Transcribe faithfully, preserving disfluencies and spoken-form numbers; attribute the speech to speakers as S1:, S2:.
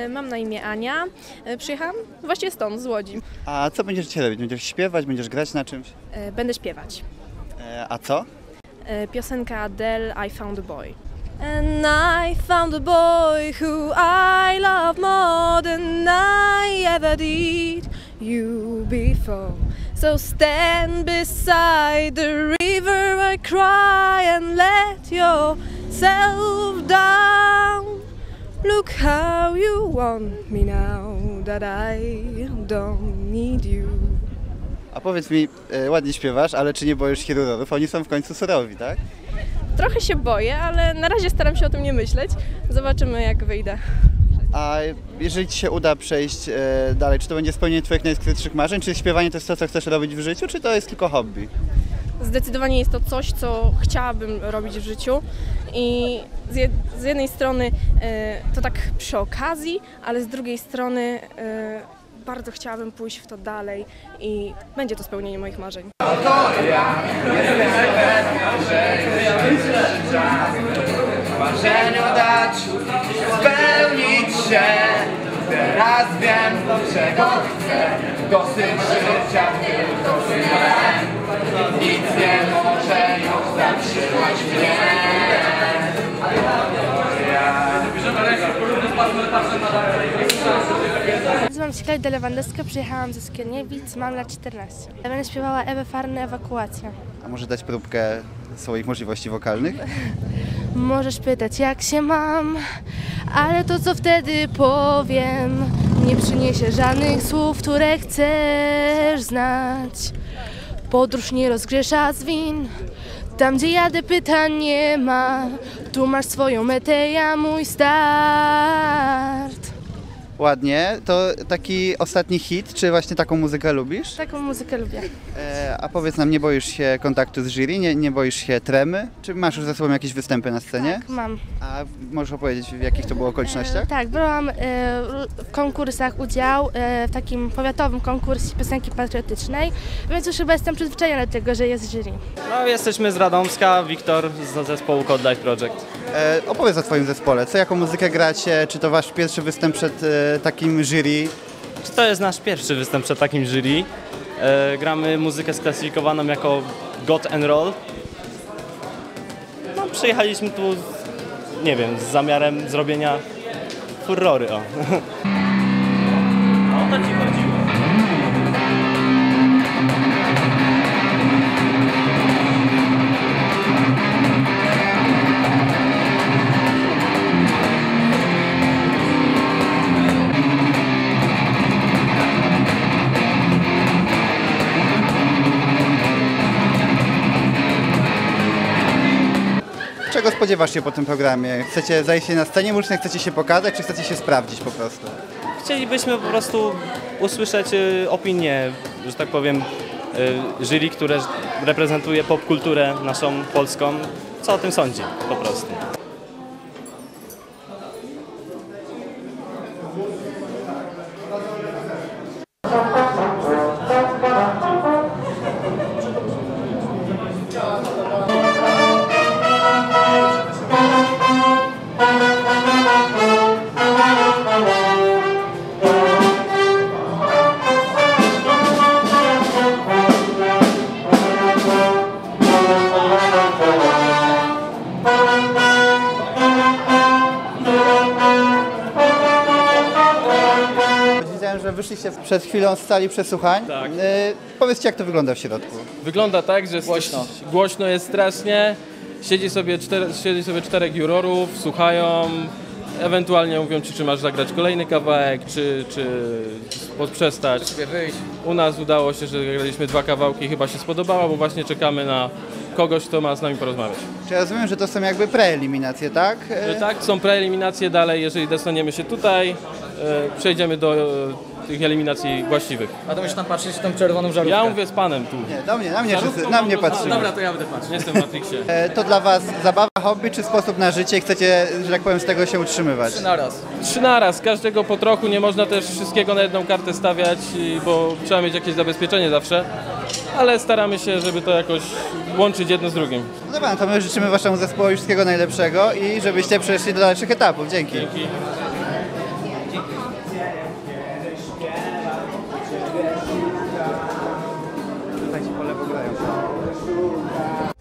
S1: Mam na imię Ania. Przyjechałam właściwie stąd, z Łodzi.
S2: A co będziesz dzisiaj robić? Będziesz śpiewać, będziesz grać na czymś?
S1: Będę śpiewać.
S2: A co?
S1: Piosenka Adele, I Found a Boy. And I found a boy who I love more than I ever did you before. So stand beside the river I cry and let yourself down. Look how you want me now that I don't need you.
S2: A powiedz mi, e, ładnie śpiewasz, ale czy nie boisz się rurorów? Oni są w końcu surowi, tak?
S1: Trochę się boję, ale na razie staram się o tym nie myśleć. Zobaczymy, jak wyjdę.
S2: A jeżeli ci się uda przejść e, dalej, czy to będzie spełnienie twoich najskrytszych marzeń? Czy śpiewanie to jest to, co chcesz robić w życiu, czy to jest tylko hobby?
S1: Zdecydowanie jest to coś, co chciałabym robić w życiu i z, jed z jednej strony e, to tak przy okazji, ale z drugiej strony e, bardzo chciałabym pójść w to dalej i będzie to spełnienie moich marzeń.
S3: Marzeniu dać, spełnić się. Teraz wiem, czego chcę. Dosyć życia, tylko tyle. Nic nie może już zatrzymać mnie.
S4: Nazywam się Klaudia Lewandowska, przyjechałam ze Skierniewic, mam lat czternaście. Będę śpiewała Ewę Farny, Ewakuacja.
S2: A może dać próbkę swoich możliwości wokalnych?
S4: Możesz pytać, jak się mam, ale to, co wtedy powiem, nie przyniesie żadnych słów, które chcesz znać. Podróż nie rozgrzesza z win, tam gdzie jadę pytań nie ma. Tu masz swoją metę, ja mój start.
S2: Ładnie. To taki ostatni hit, czy właśnie taką muzykę lubisz?
S4: Taką muzykę lubię.
S2: E, a powiedz nam, nie boisz się kontaktu z jury, nie, nie boisz się tremy? Czy masz już za sobą jakieś występy na scenie?
S4: Tak, mam.
S2: A możesz opowiedzieć, w jakich to było okolicznościach?
S4: E, tak, brałam e, w konkursach udział, e, w takim powiatowym konkursie piosenki patriotycznej, więc już chyba jestem przyzwyczajona do tego, że jest jury.
S5: No, jesteśmy z Radomska, Wiktor z zespołu Code Life Project.
S2: E, opowiedz o twoim zespole. Co, jaką muzykę gracie? Czy to wasz pierwszy występ przed e, takim jury?
S5: Czy to jest nasz pierwszy występ przed takim jury? E, gramy muzykę sklasyfikowaną jako God and Roll. No, przyjechaliśmy tu, nie wiem, z zamiarem zrobienia furrory, o. O to ci chodziło.
S2: Czego spodziewasz się po tym programie? Chcecie zajść na scenie muzycznej, chcecie się pokazać, czy chcecie się sprawdzić po prostu?
S5: Chcielibyśmy po prostu usłyszeć opinię, że tak powiem, jury, które reprezentuje popkulturę naszą polską. Co o tym sądzi po prostu.
S2: Widziałem, że wyszliście przed chwilą z sali przesłuchań.
S6: Tak.
S2: E, powiedzcie, jak to wygląda w środku.
S6: Wygląda tak, że głośno, głośno jest strasznie, siedzi sobie, cztery, siedzi sobie czterech jurorów, słuchają, ewentualnie mówią ci, czy masz zagrać kolejny kawałek, czy, czy podprzestać. U nas udało się, że graliśmy dwa kawałki, chyba się spodobało, bo właśnie czekamy na kogoś, kto ma z nami porozmawiać.
S2: Czy ja rozumiem, że to są jakby preeliminacje, tak? E,
S6: Tak, są preeliminacje dalej, jeżeli dostaniemy się tutaj, e, przejdziemy do e, tych eliminacji właściwych.
S7: A to musisz tam patrzeć w tą czerwoną żarówkę.
S6: Ja mówię z panem tu.
S2: Nie, do mnie, na mnie, wszyscy, na mnie patrzymy.
S7: Dobra, to ja będę patrzył.
S6: Nie jestem w Matrixie.
S2: E, to dla was zabawa, hobby, czy sposób na życie i chcecie, że tak powiem, z tego się utrzymywać?
S7: Trzy na raz.
S6: Trzy naraz, każdego po trochu, nie można też wszystkiego na jedną kartę stawiać, i- bo trzeba mieć jakieś zabezpieczenie zawsze, ale staramy się, żeby to jakoś łączyć jedno z drugim.
S2: No dobra, no to my życzymy waszemu zespołowi wszystkiego najlepszego i żebyście przeszli do dalszych etapów. Dzięki.
S6: Dzięki.
S2: Tutaj ci po lewo grają.